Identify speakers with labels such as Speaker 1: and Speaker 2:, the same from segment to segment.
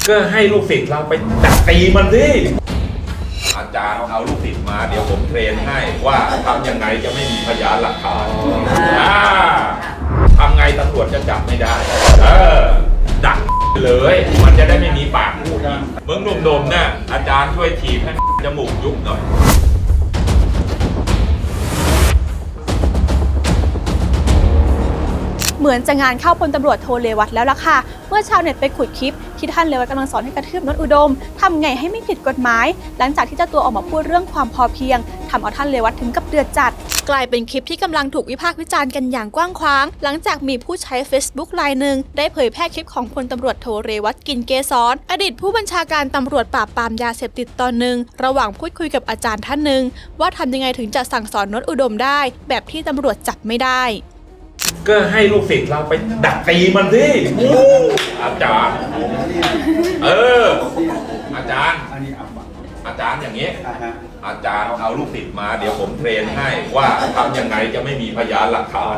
Speaker 1: ก็ให้ลูกศิษย์เราไปดักตีมันสิอาจารย์เอาลูกศิษย์มาเดี๋ยวผมเทรนให้ว่าทำยังไงจะไม่มีพยานหลักฐานทำไงตำรวจจะจับไม่ได้ดักเลยมันจะได้ไม่มีปากพูดอีกมึงหนุ่มๆเนี่ยอาจารย์ช่วยถีบให้จมูกยุบหน่อย
Speaker 2: เหมือนจะงานเข้าพลตำรวจโทเรวัตแล้วล่ะค่ะเมื่อชาวเน็ตไปขุดคลิปที่ท่านเรวัตกำลังสอนให้กระทืบโน้ตอุดมทำไงให้ไม่ผิดกฎหมายหลังจากที่เจ้าตัวออกมาพูดเรื่องความพอเพียงทำเอาท่านเรวัตถึงกับเดือดจัดกลายเป็นคลิปที่กำลังถูกวิพากษ์วิจารณ์กันอย่างกว้างขวางหลังจากมีผู้ใช้ Facebook รายหนึ่งได้เผยแพร่คลิปของพลตำรวจโทเรวัตกินเกษรอดีตผู้บัญชาการตำรวจปราบปรามยาเสพติดตอนหนึ่งระหว่างพูดคุยกับอาจารย์ท่านหนึ่งว่าทำยังไงถึงจะสั่งสอนโน้ตอุดมได้แบบที่ตำรวจจับไม่ได้
Speaker 1: ก็ให้ลูกศิษย์เราไปดักตีมันสิอาจารย์อาจารย์อย่างนี้อาจารย์เอาลูกศิษย์มาเดี๋ยวผมเทรนให้ว่าทำยังไงจะไม่มีพยานหลักฐาน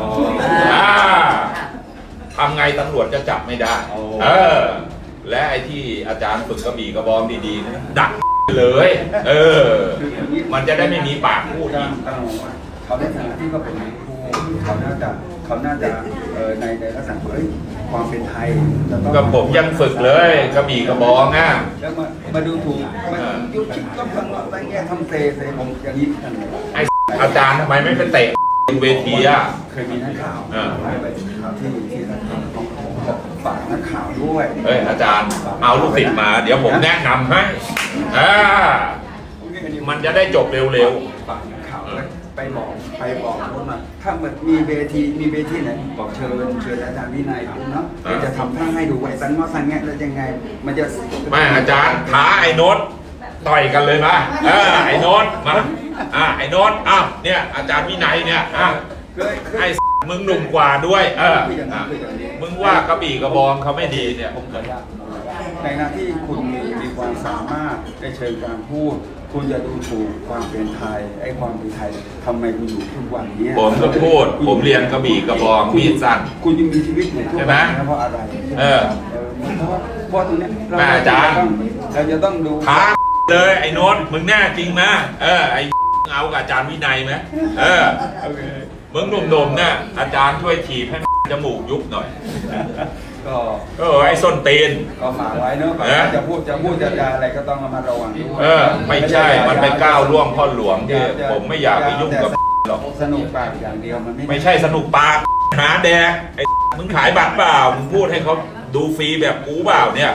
Speaker 1: ทำไงตำรวจจะจับไม่ได้และไอ้ที่อาจารย์ฝึกกระบี่กระบองดีๆนะดักเลยมันจะได้ไม่มีปากพูดอีก
Speaker 3: เขาในฐานะที่เขาเป็นครูเขาน่าจะในลักษณะความเป็นไทย
Speaker 1: ก็ผมยังฝึกเลยกระบี่กระบองอ่ะ
Speaker 3: แล้วมาดูถูกยุบก็ฟังว่าอะไรแง่ทำเตะผมอย่างนี้
Speaker 1: ไออาจารย์ทำไมไม่ไปเตะเวทีอ่ะ
Speaker 3: เคยมีนักข่าวไปข่าวที่นักข่าวของฝากนักข่าวด้วย
Speaker 1: อาจารย์เอาลูกศิษย์มาเดี๋ยวผมแนะนำให้มันจะได้จบเร็ว
Speaker 3: ๆฝากนักข่าวไปบอกว่าถ้ามันมีเวทีไหนบอกเชิญอาจารย์วินัยเนาะจะทำท่าให้ดูไว้สันว่าสันแง่แล้วยังไงมันจะ
Speaker 1: ไม่อาจารย์ท้าไอ้โน้ตต่อยกันเลยมาไอ้โน้ตมาไอ้โน้ตเนี่ยอาจารย์วินัยเนี่ยไอ้มึงหนุ่มกว่าด้วยมึงว่ากระบี่กระบองเขาไม่ดีเนี่ย
Speaker 3: ผมขออนุญาตในหน้าที่คุณมีความสามารถในเชิงการพูดคุณจะดูถูกความเป็นไทยไอ้ความเป็นไทยทำไมคุณอยู่ทุกวันนี้
Speaker 1: ผมก็พูดผมเรียนกระบี่กระบองมีดสั้น
Speaker 3: คุณยังมีชีวิตอยู่ทุกวันเพราะอะไรเพราะตรงนี้
Speaker 1: อาจารย์
Speaker 3: เราจะต้องดู
Speaker 1: ท้าเลยไอ้โน้ตมึงแน่จริงไหมไอ้เอากับอาจารย์วินัยไหมมึงหนุ่มๆเนี่ยอาจารย์ช่วยถีบให้จมูกยุบหน่อยก็ไอ้ส้นตีน
Speaker 3: ก็ฝากไว้เนอะจะพูดจะอะไรก็ต้องระมัดระวังด้วย
Speaker 1: ไม่ใช่มันไปก้าวล่วงพ่อหลวงที่ผมไม่อยากไปยุ่งกับหรอก
Speaker 3: สนุกปากอย่างเดียวมัน
Speaker 1: ไม่ใช่สนุกปากหาแดกไอ้มึงขายบัตรเปล่ามึงพูดให้เขาดูฟรีแบบกูเปล่าเนี่ย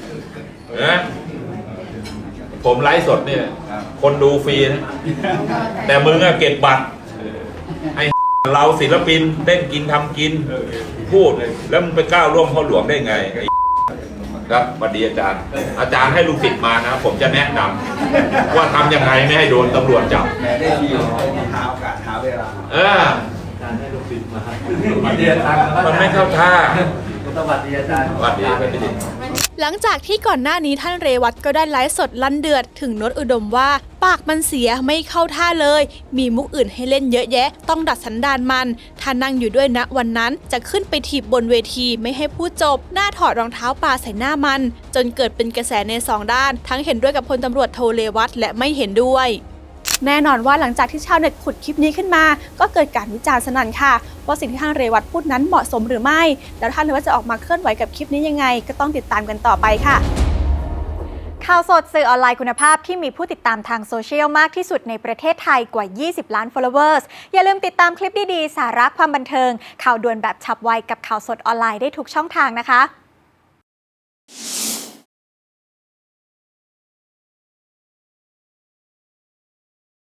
Speaker 1: ผมไลฟ์สดเนี่ยคนดูฟรีนะแต่มึงอะเก็บบัตรไอ้เราศิลปินเล่นกินทำกินพูดแล้วมึงไปก้าวร่วมพ่อหลวงได้ไงครับสวัสดีอาจารย์ให้ลูกศิษย์มานะผมจะแนะนำว่าทำยังไงไม่ให้โดนตำรวจจับ
Speaker 3: ได้ดีหาโอกาสหาเวลา
Speaker 1: อาจารย์ให้ลูกศิษย์มามันไม่เข้าท่า
Speaker 3: สวัสดีอาจารย์
Speaker 1: สวัสดี
Speaker 2: หลังจากที่ก่อนหน้านี้ท่านเรวัตก็ได้ไลฟ์สดลั่นเดือดถึงโน้ตอุดมว่าปากมันเสียไม่เข้าท่าเลยมีมุกอื่นให้เล่นเยอะแยะต้องดัดสันดานมันถ้านั่งอยู่ด้วยณวันนั้นจะขึ้นไปถีบบนเวทีไม่ให้พูดจบหน้าถอดรองเท้าปาใส่หน้ามันจนเกิดเป็นกระแสใน2ด้านทั้งเห็นด้วยกับพลตำรวจโทเรวัตและไม่เห็นด้วยแน่นอนว่าหลังจากที่ชาวเน็ตขุดคลิปนี้ขึ้นมาก็เกิดการวิจารณ์สนั่นค่ะว่าสิ่งที่ท่านเรวัตพูดนั้นเหมาะสมหรือไม่แล้วท่านเรวัตจะออกมาเคลื่อนไหวกับคลิปนี้ยังไงก็ต้องติดตามกันต่อไปค่ะ
Speaker 4: ข่าวสดสื่อออนไลน์คุณภาพที่มีผู้ติดตามทางโซเชียลมากที่สุดในประเทศไทยกว่า20ล้าน followers อย่าลืมติดตามคลิปดีๆสาระความบันเทิงข่าวด่วนแบบฉับไวกับข่าวสดออนไลน์ได้ทุกช่องทางนะคะ